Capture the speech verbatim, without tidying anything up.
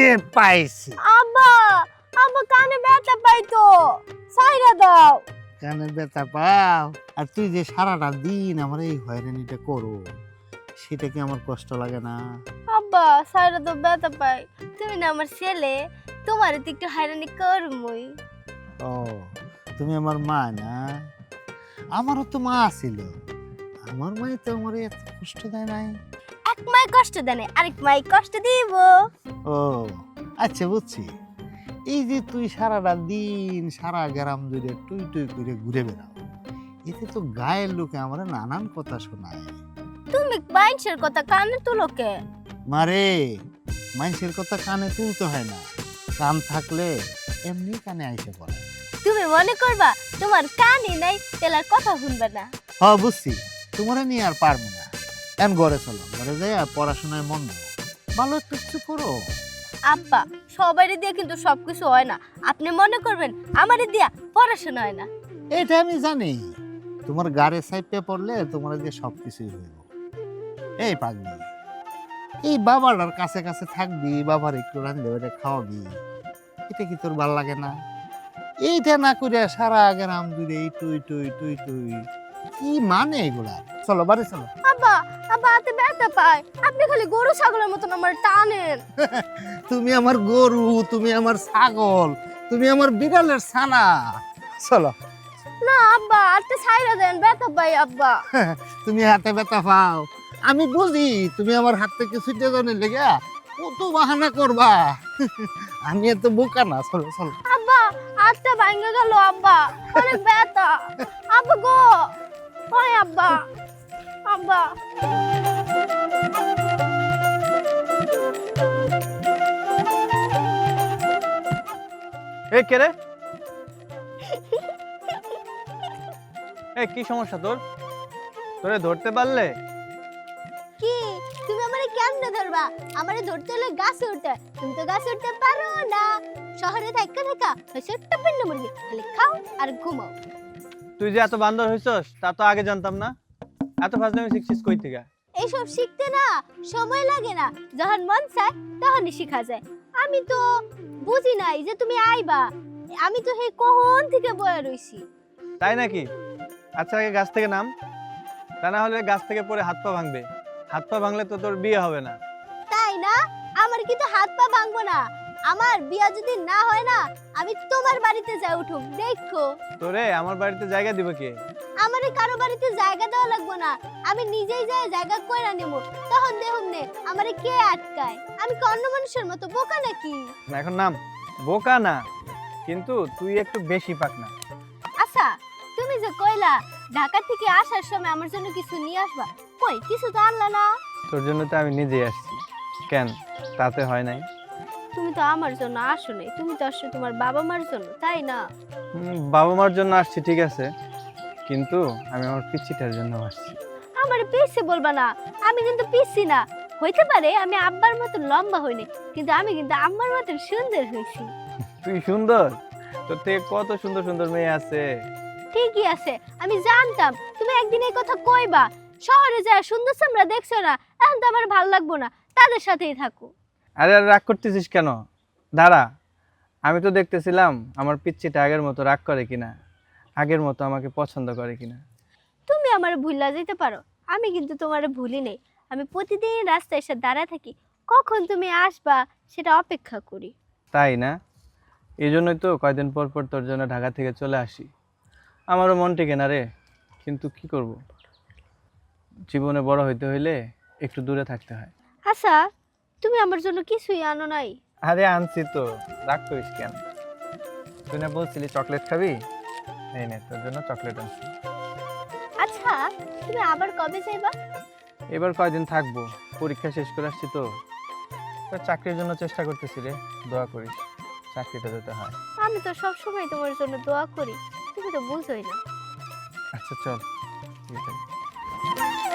যে পাইছি। আব্বা আব্বা কানে ব্যথা পাই তো, সাইরা দাও। কানে ব্যথা পাও, আর তুই যে সারাটা দিন আমার এই হয়রানিটা করো, সেটা কি আমার কষ্ট লাগে না? আব্বা সাইরা তো ব্যথা পাই, তুমি না আমার ছেলে, তোমার তো একটু হয়রানি করমই। ও, তুমি আমার মা না? আমারও তো মা ছিল, আমার মাই তো আমার এত কষ্ট দেয় নাই। এক মাই কষ্ট দেনে আরেক মাই কষ্ট দিব। ও আচ্ছা, বুঝছি। এই যে তুই সারাটা দিন সারা গ্রাম জুড়ে টুই টুই করে ঘুরে বেড়াও, এতে তো গায়ের লোকে আমার নানান কথা শোনায়। তুমি বাইনছের কথা কানে তুলো কে? মারে, মানুষের কথা কানে তুলতে হয় না, কান থাকলে এমনি কানে আইসে পড়ে। তুমি মনে করবা তোমার কানই নাই তেলার কথা শুনবে না। হ, বুঝছি, তোমারে নিয়ে আর পারবো না। এখন ঘরে চলো, ঘরে যাই আর পড়াশোনায় মন দাও, ভালো একটু কিছু করো। আব্বা সবারই দিয়ে কিন্তু সবকিছু হয় না, আপনি মনে করবেন আমারই দিয়া পড়াশোনা হয় না। এটা আমি জানি, তোমার গাড়ে সাইপে পড়লে তোমার দিয়ে সবকিছুই হইব। এই পাগলি, এই বাবাটার কাছে কাছে থাকবি, বাবার একটু রান্ধলে ওটা খাওয়াবি, এটা কি তোর ভাল লাগে না? এইটা না করে সারা গ্রাম জুড়ে এই টুই টুই টুই টুই, কি মানে এগুলা? চলো বাড়ি চলো। আব্বা আব্বা হাতে ব্যথা পায়, আপনি খালি গরু ছাগলের মতন আমার টানেন। তুমি আমার গরু, তুমি আমার ছাগল, তুমি আমার বিড়ালের ছানা। চলো। না আব্বা হাতে ছাইরা দেন, ব্যথা পাই আব্বা। তুমি হাতে ব্যথা পাও, আমি বুঝি তুমি আমার হাত থেকে ছুটে জানে লেগে কত বাহানা করবা। আমি এত বোকা না। চলো চলো। আব্বা হাতটা ভাঙে গেল আব্বা, অনেক ব্যথা। আব্বা গো, ওই আব্বা আব্বা। এই কে রে? এই কি সমস্যা তোর? তোরে ধরতে পারলে? কি তুমি আমারে কেমনে ধরবা? আমারে ধরতে হলে গাছে উঠতে, তুমি তো গাছে উঠতে পারো না। শহরে থাকা থাকা হইছে টপিন্ন মুরগি, খালি খাও আর ঘুমাও। তুই যে এত বান্দর হইছস তা তো আগে জানতাম না। এত ফাজলামি শিখছিস কই থেকে? এইসব শিখতে না সময় লাগে না, যখন মন চায় তখনই শিখা যায়। আমি তো বুঝি নাই যে তুমি আইবা, আমি তো হে কখন থেকে বয়ে রইছি। তাই নাকি? আচ্ছা আগে গাছ থেকে নাম, তা না হলে গাছ থেকে পড়ে হাত পা ভাঙবে। হাত পা ভাঙলে তো তোর বিয়ে হবে না। তাই না? আমার কিন্তু হাত পা ভাঙবো না, আমার বিয়া যদি না হয় না আমি তোমার বাড়িতে যাই উঠুম, দেখো। তোরে আমার বাড়িতে জায়গা দিবে কে? আমারে কারো বাড়িতে জায়গা দেওয়া লাগবো না, আমি নিজেই যাই জায়গা কইরা নেব, তখন দেখুন নে আমারে কে আটকায়। আমি কি অন্য মানুষের মতো বোকা নাকি? না এখন নাম, বোকা না, কিন্তু তুই একটু বেশি পাক না। আচ্ছা তুমি যে কইলা ঢাকা থেকে আসার সময় আমার জন্য কিছু নিয়ে আসবা, কই কিছু তো আনলা না? তোর জন্য তো আমি নিজেই আসছি। কেন, তাতে হয় নাই? তুমি তো আমার জন্য আসো নাই, তুমি তো আসছো তোমার বাবা মার জন্য, তাই না? হুম, বাবা মার জন্য আসছি ঠিক আছে, কিন্তু আমি আমার পিচ্চিটার জন্য আসছি। আমার পিসি বলবা না, আমি কিন্তু পিসি না। হইতে পারে আমি আব্বার মতো লম্বা হইনি, কিন্তু আমি কিন্তু আম্মার মতো সুন্দর হইছি। তুই সুন্দর? তোর থেকে কত সুন্দর সুন্দর মেয়ে আছে। ঠিকই আছে, আমি জানতাম তুমি একদিন এই কথা কইবা। শহরে যায় সুন্দর সামরা দেখছো না, এখন তো আমার ভালো লাগবো না, তাদের সাথেই থাকো। আরে আর রাগ করতেছিস কেন? দাঁড়া, আমি তো দেখতেছিলাম আমার পিচ্চিটা আগের মতো রাগ করে কিনা, আগের মতো আমাকে পছন্দ করে কিনা। তুমি আমার ভুলা যেতে পারো, আমি কিন্তু তোমার ভুলি নেই। আমি প্রতিদিন রাস্তায় এসে দাঁড়ায় থাকি, কখন তুমি আসবা সেটা অপেক্ষা করি। তাই না? এই জন্যই তো কয়দিন পর পর তোর জন্য ঢাকা থেকে চলে আসি। আমারও মন টেকে না রে, কিন্তু কি করব, জীবনে বড় হইতে হইলে একটু দূরে থাকতে হয়। আচ্ছা তুমি আমার জন্য কিছুই আনো নাই? আরে আনছি তো, রাগ করিস কেন? তুই না বলছিলি চকলেট খাবি, এই নে তোর জন্য চকলেট আনছি। আচ্ছা তুমি আবার কবে যাইবা? এবার কয়দিন থাকবো, পরীক্ষা শেষ করে আসছি তো। তোর চাকরির জন্য চেষ্টা করতেছি রে, দোয়া করিস চাকরিটা দিতে হয়। আমি তো সব সময় তোমার জন্য দোয়া করি, তুমি তো বুঝোই না। আচ্ছা চল।